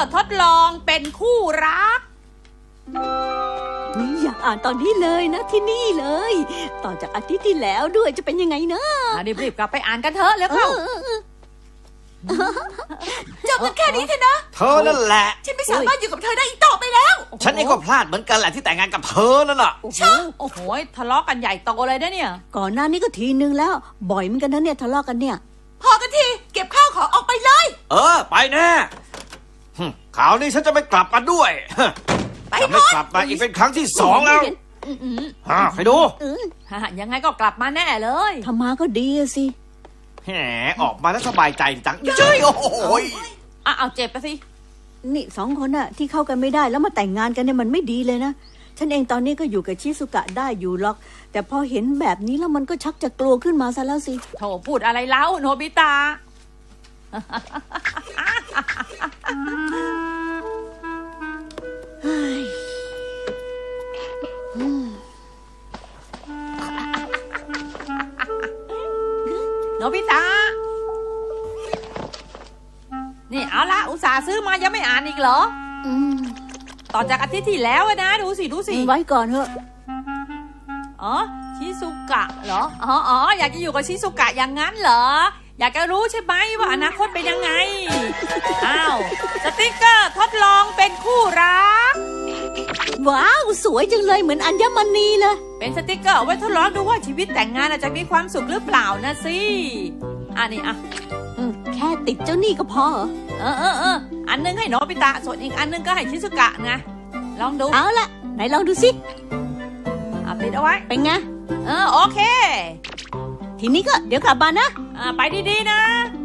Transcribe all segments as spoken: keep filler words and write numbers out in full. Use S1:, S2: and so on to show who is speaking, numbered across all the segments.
S1: ร์ทดลองเป็นคู่รัก
S2: อยากอ่านตอนนี้เลยนะที่นี่เลยต่อจากอาทิตย์ที่แล้วด้วยจะเป็นยังไงเนอะ
S1: รีบๆกลับไปอ่านกันเถอะแล้วเข้าจบกันแค่นี้เถอะนะ
S3: เธอนั่นแหละ
S1: ฉันไม่สามารถอยู่กับเธอได้อีกต่อไปแล้ว
S3: ฉันเองก็พลาดเหมือนกันแหละที่แต่งงานกับเธอนั่นน่ะ
S1: ใช่โอ้โหทะเลาะกันใหญ่โตเลยนะเนี่ย
S2: ก่อนหน้านี้ก็ทีนึงแล้วบ่อยเหมือนกันนะเนี่ยทะเลาะกันเนี่ย
S1: พอกันทีเก็บข้าวของออกไปเลย
S3: เออไปแน่ข่าวนี้ฉันจะไม่กลับมาด้วยจะไม่กลับมาอีกเป็นครั้งที่สองแล้วฮะใครดู
S1: ยังไงก็กลับมาแน่เลย
S2: ถ้ามาก็ดีสิ
S3: แหมออกมาแล้วสบายใจจังเจ้ยโอ้โห
S1: อ่ะเอาเจ็บไปสิ
S2: นี่สองคนน่ะที่เข้ากันไม่ได้แล้วมาแต่งงานกันเนี่ยมันไม่ดีเลยนะฉันเองตอนนี้ก็อยู่กับชิซุกะได้อยู่หรอกแต่พอเห็นแบบนี้แล้วมันก็ชักจะกลัวขึ้นมาซะแล้วสิ
S1: โธ่พูดอะไรเล่าโนบิตะโนบิตะนี่เอาละอุตส่าห์ซื้อมายังไม่อ่านอีกเหรอต่อจากอาทิตย์ที่แล้วนะดูสิดูสิ
S2: ไว้ก่อนเถอะ
S1: อ๋อชิซุกะเหรออ๋ออ๋ออยากจะอยู่กับชิซุกะอย่างนั้นเหรออยากจะรู้ใช่ไหมว่าอนาคตเป็นยังไงอ้าวสติ๊กเกอร์ทดลองเป็นคู่รัก
S2: ว้าวสวยจังเลยเหมือนอัญมณีเลย
S1: เป็นสติ๊กเกอร์ไว้ทดลองดูว่าชีวิตแต่งงานจะมีความสุขหรือเปล่านะสิอันนี้อ่ะ
S2: แค่ติดเจ้านี่ก็พอ
S1: เออเออเอออันนึงให้โนบิตะส่วนอีกอันนึงก็ให้ชิซุกะไงลองดู
S2: เอาละไหนลองดูสิ
S1: เอาติดเอาไว้
S2: เป็นไง
S1: เออโอเค
S2: ทีนี้ก็เดี๋ยวกลับบ้านนะ
S1: อ่าไปดีๆนะ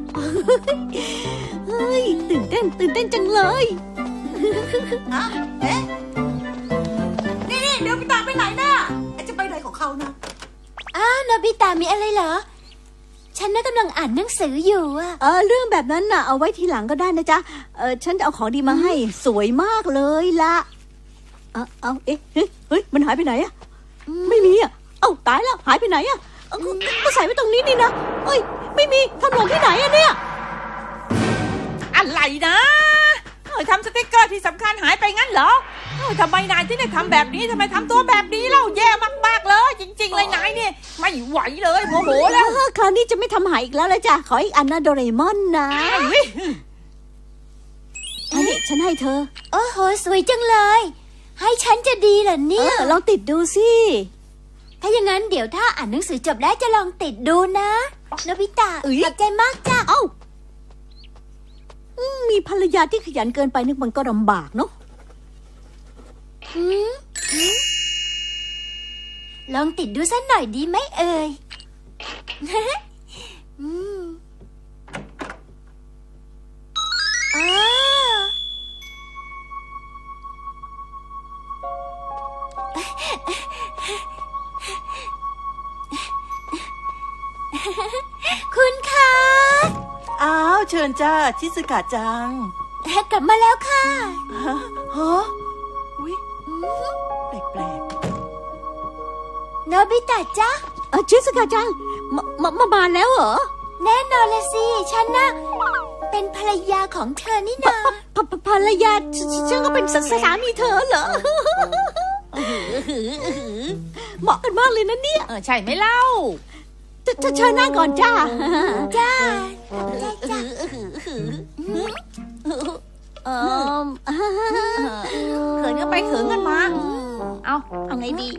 S2: เฮ้ยตื่นเต้นตื่นเต้นจังเลย
S1: อ่ะเอ๊ะนี่นี่เดี๋ยวโนบิตะไปไหนน่ะจะไปไหนของเขานะ
S4: อ้าวโนบิตะมีอะไรเหรอฉันน่ะกำลังอ่านหนังสืออยู่อะ
S2: เออเรื่องแบบนั้นน่ะเอาไว้ทีหลังก็ได้นะจ๊ะเออฉันจะเอาของดีมาให้สวยมากเลยละเอาเอาเอ๊ะเฮ้ยมันหายไปไหนอะไม่มีอะเอ้าตายแล้วหายไปไหนอะก็ใส่ไว้ตรงนี้นี่นะเอ้ยไม่มีทำหล่นที่ไหนอะเนี่ย
S1: อะไรนะเฮ้ยทำสติ๊กเกอร์ที่สำคัญหายไปงั้นเหรอเฮ้ยทำไมนายที่ได้ทำแบบนี้ทำไมทำตัวแบบนี้เล่าแย่มากๆเลยจริงๆเลยนายเนี่ยไม่ไหวเลยโมโหแล้ว
S2: คราวนี้จะไม่ทำหายอีกแล้วละจ้ะขออีกอันนะโดเรมอนนะอันนี้ฉันให้เธอ
S4: โอ้โหสวยจังเลยให้ฉันจะดีเหรอเนี่ย
S2: ลองติดดูสิ
S4: ถ้าอย่างนั้นเดี๋ยวถ้าอ่านหนังสือจบแล้วจะลองติดดูนะโนบิตะขอบใจมากจ้ะ
S2: เอ้ามีภรรยาที่ขยันเกินไปนึกมันก็ลำบากเนาะ
S4: ลองติดดูสักหน่อยดีไหมเอ่ยอืมอ๋อคุณคะ
S5: อ้าวเชิญจ้าชิซึกะจัง
S4: กลับมาแล้วค่ะ
S5: ฮะฮะอุ๊ยแปลก
S4: ๆโนบิตะจ๊ะ
S2: เออชิซึกะจังมามามาบ้านแล้วเหรอ
S4: แน่นอนละสิฉันน่ะเป็นภรรยาของเธอนี่นา
S2: ภรรยาฉันก็เป็นสามีเธอเหรอเหมาะกันมากเลยนะเนี่ย
S1: เออใช่ไหมเล่า
S2: จะเชิญนั่งก่อนจ้า
S4: จ้าจ้าจ้า
S2: เออ
S1: เขินกันไปเขินกันมาเอา
S2: เอาไงดี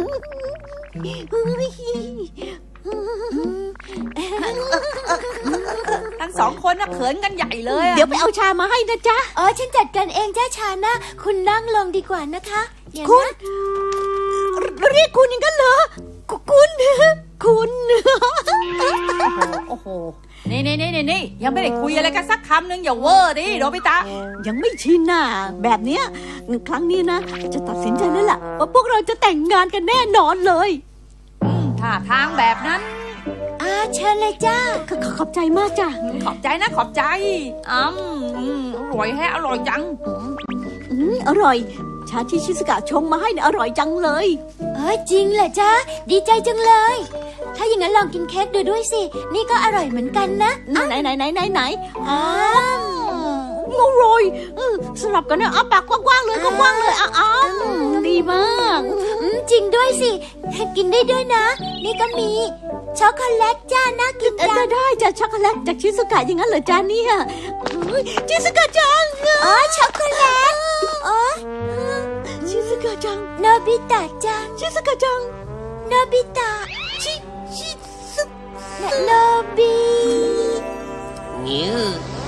S1: ทั้งสองคนน่ะเขินกันใหญ่เลย
S2: เดี๋ยวไปเอาชามาให้นะจ๊ะ
S4: เออฉันจัดการเองจ้าชานะคุณนั่งลงดีกว่านะคะ
S2: คุณเรียกคุณอย่างนั้นเหรอคุณคุณ
S1: โอ้โหนี่นี่นี่นี่ยังไม่ได้คุยอะไรกันสักคำนึงอย่าเวอร์ดิโนบิตะ
S2: ยังไม่ชินน่ะแบบเนี้ยครั้งนี้นะจะตัดสินใจแล้วล่ะว่าพวกเราจะแต่งงานกันแน่นอนเลย
S1: ถ้าทางแบบนั้น
S4: อ่าเชิญเลยจ้า
S2: ขอบใจมากจ้ะ
S1: ขอบใจนะขอบใจอืมอร่อยแฮะอร่อยจัง
S2: อืมอร่อยชาที่ชิซุกะชงมาให้เนี่ยอร่อยจังเลย
S4: เออจริงเหรอจ๊ะดีใจจังเลยถ้าอย่างนั้นลองกินเค้กดูด้วยสินี่ก็อร่อยเหมือนกันนะ
S2: ไหนไหนไหนไหนไหน
S4: อ้าว
S2: อร่อยเออสลับกันนะอ้าปากกว้างๆเลยกว้างๆเลยอ้าวดีมาก
S4: อืมจริงด้วยสิ กินได้ด้วยนะ นี่ก็มีช็อกโกแลตจ้าน่ากิน
S2: เออ
S4: จัง
S2: ได้จากช็อกโกแลตจากชิซุกะอย่างนั้นเหรอจ๊ะเนี่ยเฮ้ยชิซุกะจัง
S4: อ๋อช็อกโกแลตอ๋อ
S2: ชิซุกะจัง
S4: โนบิตะจัง
S2: ชิซุกะจัง
S4: โนบิตะ
S2: ชิชิซุ
S4: โนบิ
S3: นิ้ว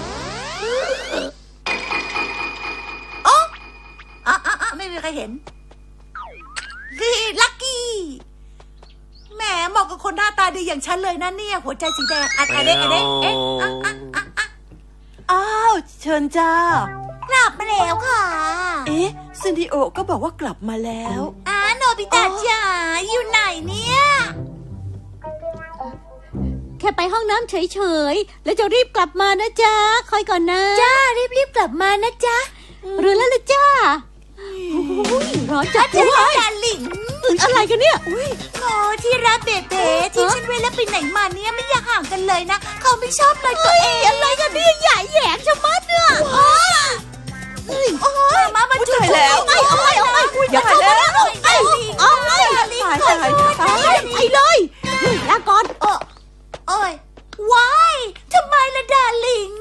S5: อ๋ออ๋ออ๋อไม่มีใครเห็นนี่ลักกี้แหมเหมาะกับคนหน้าตาดีอย่างฉันเลยนะเนี่ย หัวใจสีแดงอันอันเด็กอันเด็กเอ๊ะอ่ะอ่ะอ่ะอ่ะ
S6: อ้าวเชิญจ้าก
S5: ลับมาแล้วค่ะ
S6: เอ๊ะซินดิโอก็บอกว่ากลับมาแล้ว
S5: อ่าโนบิตะจ๋าอยู่ไหนเนี่ย
S2: แค่ไปห้องน้ำเฉยๆแล้วจะรีบกลับมานะจ๊ะคอยก่อนนะ
S4: จ้ารีบๆกลับมานะจ๊ะ
S2: หรือแล้วล่ะจ้าโอ้ยร้อนจัด
S5: เจ้า
S2: เลย
S5: ดาลิง
S2: อะไรกันเนี่ยอุ้ย
S5: โอ้ที่รักเบเบ้ที่ฉันเวลาไปไหนมาเนี่ยไม่อยากห่างกันเลยนะ เขาไม่ชอบเลยตัวเองอะไรกันเนี่ยใหญ่แหยงชะมัดเนี่ยโอ้ยโอ้ยมามาจุด
S6: ตายแล้ว
S5: ไอ้โอ้ยโอ้ย
S2: อย่าเข้ามาแล้วไอ้
S5: โอ้ย
S6: ตายตายตาย
S2: ไปเลยลาก่อน
S5: โอ้ยว้ายทำไมล่ะดาลิง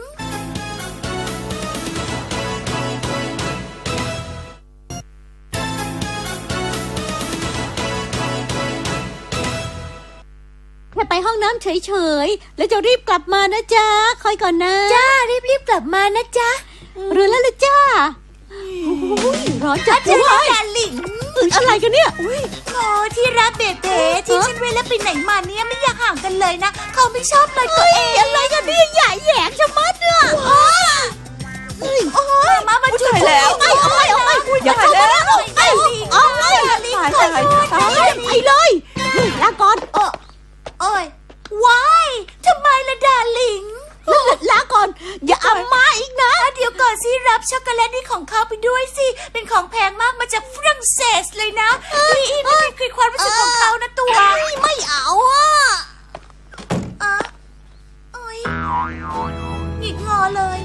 S2: แค่ไปห้องน้ำเฉยๆแล้วจะรีบกลับมานะจ๊ะคอยก่อนนะ
S4: จ้ารีบๆกลับมานะจ๊ะ
S2: หรือแล้วล่ะจ้าโอ้ยร้อนจัดเล
S5: เจ้าย ดาลิง
S2: อะไรกันเนี่ยอุ้ย
S5: โอ้ที่รักเบเบ้ที่ฉันเวลาไปไหนมาเนี่ยไม่อยากห่างกันเลยนะ เขาไม่ชอบเลยตัวเองอะไรกันเนี่ยใหญ่แหยงชะมัดเนี่ยโอ้ยโอ้ยมามาจุด
S6: ตายแล้ว
S2: ไอ้โอ้ยโอ้ยอย่าเข้ามาแล้วไอ้โอ้ย
S5: ดาลิง
S6: ตาย
S5: ขอ
S6: ตาย
S5: โทษ
S6: ตาย
S2: ไปเลยลาก่อน
S5: โอ้ยว้ายทำไมล่ะดาลิง
S2: ลาก่อนอย่าเอามาอีกนะ
S5: เดี๋ยวก่อนสิรับช็อกโกแลตนี่ของเขาไปด้วยสิ เป็นของแพงมากมาจากฝรั่งเศสเลยนะนี่นี่เป็นคือความรู้สึกของเขานะตัว
S2: ไม่เอาอ่ะ
S5: อ่ะโอ้ยหงิกงอเลย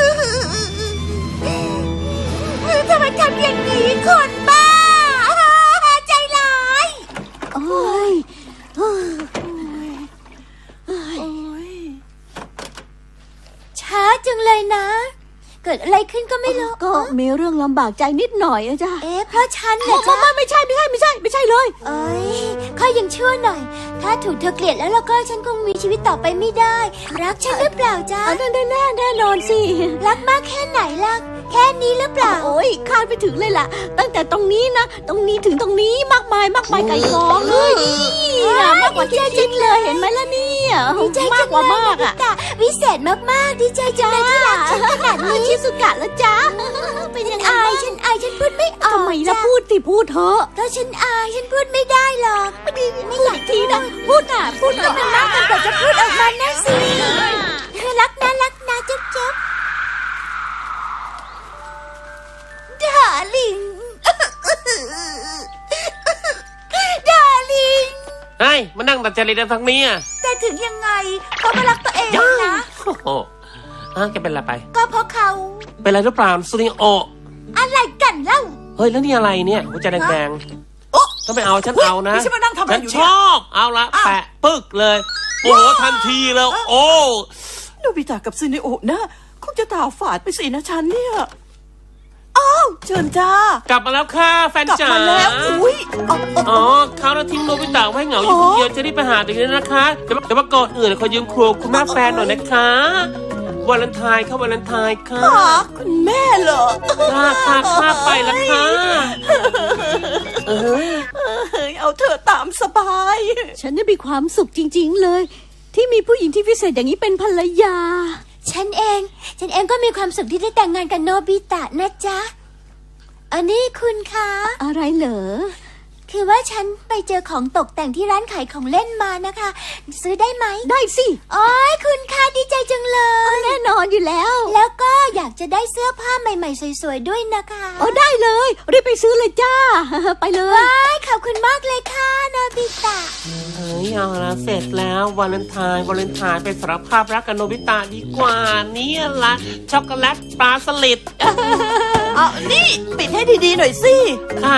S5: ทำไมทำอย่างนี้คนบ้าใจร้าย
S2: โอ้ย
S4: ช้าจังเลยนะ เกิดอะไรขึ้นก็ไม่รู้
S2: ก็มีเรื่องลำบากใจนิดหน่อยอะจ้ะ
S4: เอ๊ะเพราะฉันเหร
S2: ไม่
S4: อจ๊ะ
S2: ไม่ไม่ใช่ไม่ใช่ไม่ใช่ไม่ใช่เลย
S4: เอ้ยข้ายังชั่วหน่อย ถ้าถูกเธอเกลียดแล้วแล้วก็ฉันคงมีชีวิตต่อไปไม่ได้ รักฉันหรือเปล่าจ๊ะ
S2: อันนั้นแน่แน่นอนสิ
S4: รักมากแค่ไหนล่ะ แค่นี้หรือเปล่า
S2: โอ้ยคาดไปถึงเลยล่ะ ตั้งแต่ตรงนี้นะตรงนี้ถึงตรงนี้มากมายมากมายไก่กองเลยนี่อะมากกว่าที่คิดเลยเห็นไหมล่ะเนี่ย
S4: ดีใจ
S2: มา
S4: จั
S2: ก
S4: ง
S2: กว่า
S4: เลย
S2: มาก
S4: นะ
S2: อะ
S4: พี่ตาวิเศษมากๆ ดีใจจังเลยที่รักฉันขนาดนี้
S2: ชิสุกะแล้วจ้าเป็นยังไง
S4: อายฉันอายฉันพูดไม่ออก
S2: ทำไมล่ะ
S4: จ้ะ
S2: พูดสิพูดเถอะ
S4: เพราะฉันอายฉันพูดไม่ได้หรอก
S2: ไม่อยากทีนะพูดน่ะพูดหน่อยนะ
S4: มากมันกว่าจะพูดออกมานะสิรักนะรักนะจุ๊บจุ๊บ
S5: ดาลิง ดาลิง
S7: เฮ้ยมานั่งตัดจริตทางนี้อ่ะ
S5: แต่ถึงยังไงเขาก็รักตัวเองนะ
S7: โอ้โหอ่ะแกเป็นอะไรไป
S5: ก็เพราะเขา
S7: เป็นอะไรหรือเปล่าซูนิโอ
S5: อะไรกันเล่า
S7: เฮ้ยแล้วนี่อะไรเนี่ยหัวใจแดง
S5: โอ๊ะ
S7: ๆถ้าไม่เอาฉันเอานะ
S6: นี่ฉันมานั่งทำอะไร
S7: ฉัน
S6: อยู่
S7: ช
S6: เนี่ย
S7: อบเอาละ
S6: อ้าว
S7: แปะปึ๊กเลย โอ้โหทันทีเลยโอ้
S6: โนบิตะกับซินดิโอนะคงจะตาฝาดไปสินะฉันเนี่ยอ้าวเชิญจ้าก
S7: ลับมาแล้วค่ะแฟน
S6: กลับ
S7: จ๋า
S6: มาแล้วอุ้ยเอาเอา
S7: อ๋อเขาแล้วทิ้งโนบิตะไว้เหงาอยู่คนเดียวจะรีบไปหาตัวเองนะคะแต่ว่าแต่ว่าก่อนอื่นขอยืมครัวคุณแม่แฟนหน่อยนะคะวาเลนไทน์ค่ะวาเลนไทน์ค่ะ
S6: หาคุณแม่เหรอ
S7: ค่ะค่ะค่ะไปแล้วค่ะเออ
S6: เฮ้ยเอาเธอตามสบาย
S2: ฉันนี่มีความสุขจริง ๆเลย ที่มีผู้หญิงที่พิเศษอย่างนี้เป็นภรรยา
S4: ฉันเอง ฉันเองก็มีความสุขที่ได้แต่งงานกับโนบิตะนะจ๊ะ อันนี้คุณคะ
S2: อะไรเหรอ
S4: คือว่าฉันไปเจอของตกแต่งที่ร้านขายของเล่นมานะคะ ซื้อได้ไหม
S2: ได้สิ
S4: โอ้ยคุณคะดีใจจังเลย
S2: แน่นอนอยู่แล้ว
S4: แล้วก็อยากจะได้เสื้อผ้าใหม่ๆ สวยๆด้วยนะคะ
S2: อ๋อได้เลยรีบไปซื้อเลยจ้า ไปเลย
S4: ว้ายขอบคุณมากเลยค่ะโนบิตะ
S7: เฮ้ยเอาละเสร็จแล้ววาเลนไทน์วาเลนไทน์ไปสารภาพรักกับโนบิตะดีกว่าเนี่ยละช็อกโกแลตปลาสลิด
S6: เอานี่ปิดให้ดีๆหน่อยสิ
S7: ค่ะ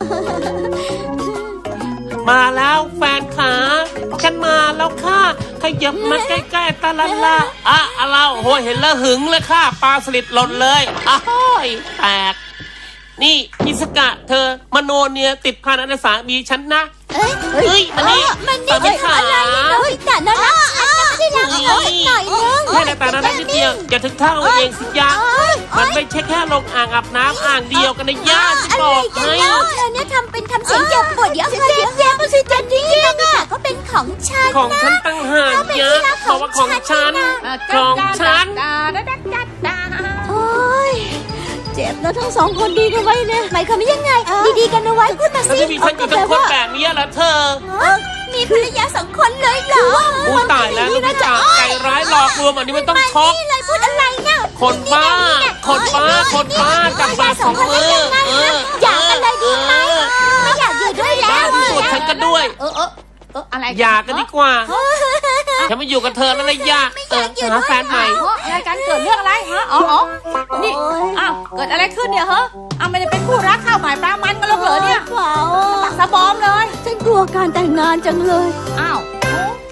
S7: มาแล้วแฟนขาฉันมาแล้วค่ะขยับมาใกล้ๆตาละละอ่ะอะไรโอ้ยเห็นแล้วหึงเลยค่ะปลาสลิดหล่นเลยอ้ายแตกนี่อิสกะเธอมโนเนียติดพันอันสามีฉันนะ
S4: เอ้ย
S7: เฮ้ยอันนี้
S4: มัน
S7: สามี
S4: นี่
S7: ขา
S4: อะไรเนี่ยโนบิตะน่ารักฉันจะไม่ได้รักเขาสักหน่อยนึง
S7: แค่ในตาหน้านิดเดียวอย่าถึงเท่าเองสิยะมันไม่ใช่แค่ลงอ่างอาบน้ำอ่างเดียวกันนะย่าจะ
S4: อะไร
S7: บอก
S4: กัน
S7: ให้
S4: เล่าเธอเนี่ยทำเป็นทำเสียงเจ็บปวดเดี๋ยวเจ็บเจ็บมันสิจริงๆโนบิตะก็เป็นของฉัน
S7: ของฉันตั้งหากยะบอกว่าของฉันของฉัน
S1: ดาดาดาดาดา
S2: โอ้ยเจ็บแล้วทั้งสองคนดีกันไว้เนี่ย
S4: หมายความว่ายังไง ดีๆกันเอาไว้พูดมา
S7: แล้ว
S4: สิ
S7: จะมีฉันอยู่ทั้งคนแบบนี้เหรอเธอ
S4: เอ้ามีภรรยาสองคนเลยเหรอ
S7: อู้ตายแล้วลูกพี่จ๋าใจร้ายหลอกลวงอันนี้ไม่ต้องช็อก
S4: นี่เลยพูดอะไรเนี่ย
S7: คนบ้า คนบ้า คนบ้าจับมาสองมือเออ
S4: อยากกันเลยดีไหมไม่อยากอยู่ด้วยแล้
S7: บ้าว ที่สุดฉันก็ด้วย
S1: เออเออเอออะไร
S7: อยากกันดีกว่าฉันไม่อยู่กับเธอแล้วเลยยากเออหาแฟนใหม่
S1: อ๋ออะไรกันเกิดเรื่องอะไรฮะอ๋ออ๋อนี่อ้าวเกิดอะไรขึ้นเนี่ยเหรออ้าวไม่ได้เป็นคู่รักข้าวหมายปลามันกันหรอกเหรอเนี่ย
S2: เปล่า
S1: ปักสะบอมเลย
S2: ฉันกลัวการแต่งงานจังเลย
S1: อ้าว